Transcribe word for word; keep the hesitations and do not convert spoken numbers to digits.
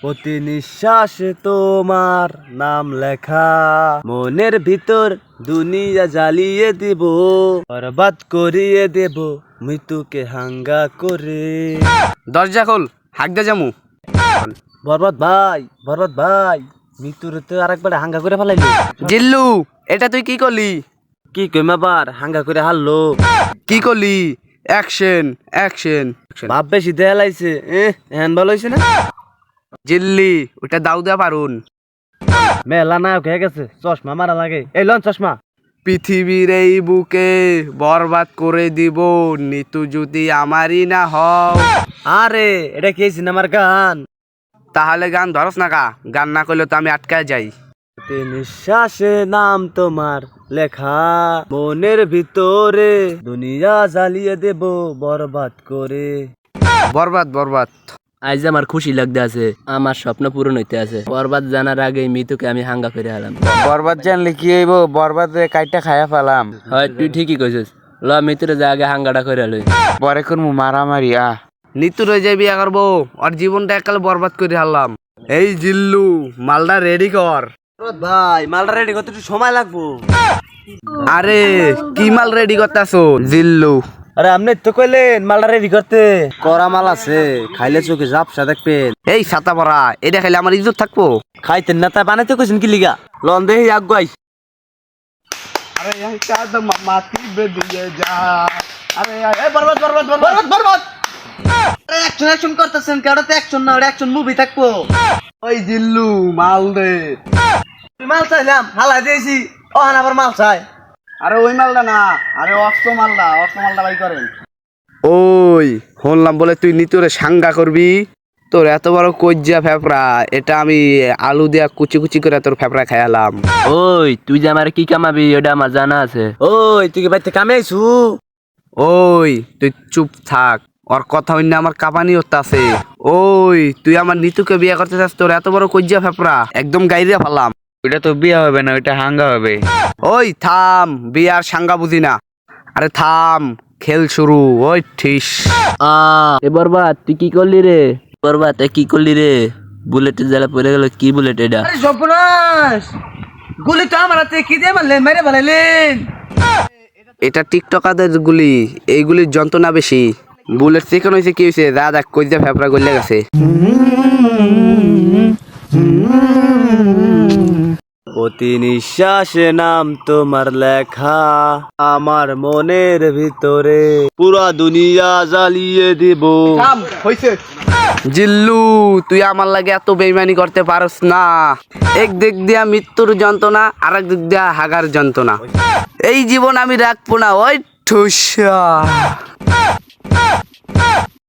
প্রতি নিঃশ্বাসে তোমার নাম লেখা, মনের ভিতর দুনিয়া জ্বালিয়ে দিব, বরবাদ করিয়ে দেব মৃত্যুকে হাঙ্গা করে। দরজা খোল, হাগদা জামু। বরবাদ ভাই, বরবাদ ভাই, মৃত্যুর তো আরেকবার হাঙ্গা করে ফেলাইলো। জিল্লু, এটা তুই কি করলি? কি কইম আবার, হাঙ্গা করে হারলো। কি করলি? Action, action. ভাব বেশি দেয়া লাইছে, এ হ্যান ভালো হয়েছে না। জিল্লি, ওটা দাউ দেয়া পারুন। মেলা নায়ক হয়ে গেছে, চশমা মারা লাগে। এই লন চশমা। পৃথিবীর এই বুকে বরবাদ করে দিব নিতু যদি আমারই না হও। আরে এটা কি সিনেমার গান? তাহলে গান ধরস না কা? গান না করলে তো আমি আটকায় যাই। প্রতি নিঃশ্বাসে নাম তোমার লেখা, মনের ভিতরে দুনিয়া জ্বালিয়ে দেব বরবাদ করে। বরবাদ, বরবাদ। আজ আমার খুশি লাগতে আছে, আমার স্বপ্ন পূরণ হইতে আছে। বরবাদ জানার আগে মৃত্যুকে আমি হাঙ্গা করে হারাম। বরবাদ জানলে কি হইব? বরবাদ কাইটা খায়া ফেলাম। হয় তুই ঠিকই কইছিস, ল মৃত্যুরে যা আগে হাঙ্গাটা করে লই। পরে করমু মারামারি। আ নিতু রয়ে যাই বিয়া করবো, আর জীবনটা একাল বরবাদ করে হারলাম। এই জিল্লু, মালটা রেডি কর। বরবাদ ভাই, মালটা রেডি করতে একটু সময় লাগবো। আরে কি মাল রেডি করতেছো জিল্লু? আরে আপনি তো কইলেন মালটা রেডি করতে। করা মাল আছে, খাইলে চোখে ঝাপসা দেখবেন। এই ছাতা পরা, এটা খাইলে আমার ইজ্জত থাকবো। খাইতেন না তাই বানাইতে কইছেন কি লিগা? লন দেহি আগুয়াই। আরে এই চাঁদ মাটি বেদিয়ে যা। আরে এই বরবাদ, বরবাদ, বরবাদ, বরবাদ। আরে অ্যাকশন অ্যাকশন করতেছেন, কেডা তো অ্যাকশন না, ওটা অ্যাকশন মুভি থাকবো। ওই জিল্লু মাল দে। তুই মাল চাইলাম, হালা দিয়েছি, ও হান আবার মাল চাই। আরে ওই মালটা না, আরে অস্ত্র মালটা, অস্ত্র মালটা বাই করেন। ওই শুনলাম বলে তুই নিতুরে সাঙ্গা করবি। তোর এত বড় কজ্জা ফেফড়া, এটা আমি আলু দিয়া কুচি কুচি করে তোর ফেফড়া খাইলাম। ওই তুই যে আমার কি কামাবি ওটা আমার জানা আছে। ওই তুই কি বাড়িতে কামে আইছু? ওই তুই চুপ থাক, ওর কথা হইনা আমার কাঁপানি হতে আছে। ওই তুই আমার নিতুকে বিয়ে করতে চাস, তোর এত বড় কজ্জা ফেফড়া একদম গাইরে ফেলাম। ওইটা তো বিয়ে হবে না, ওইটা হাঙ্গা হবে। ওই থাম, বিয়ার সাঙ্গা বুঝি না। আরে থাম, খেল শুরু। ওই ঠিস। আ এ বরবাদ তুই কি করলি রে? বরবাদ এ কি করলি রে? বুলেটের জ্বালা পড়ে গেল, কি বুলেট এটা? আরে সর্বনাশ, গুলি তো আমার হাতে কি দিয়ে মারলেন, মেরে ফেলাইলেন। এটা টিকটকারদের গুলি, এইগুলির যন্ত্রণা বেশি। বুলেট চিকেন হয়েছে কি হয়েছে, দাদা কইজা ফেফড়া গলে গেছে। প্রতি নিঃশ্বাসে নাম তোমার লেখা, আমার মনের ভিতরে পুরা দুনিয়া জ্বালিয়ে দিব। জিল্লু, তুই আমার লাগে এত বেইমানি করতে পারস না। এক দিক দিয়া মৃত্যুর যন্ত্রণা, আর এক দিক দিয়া হাগার যন্ত্রণা। এই জীবন আমি রাখবো না। ওই ঠুসা।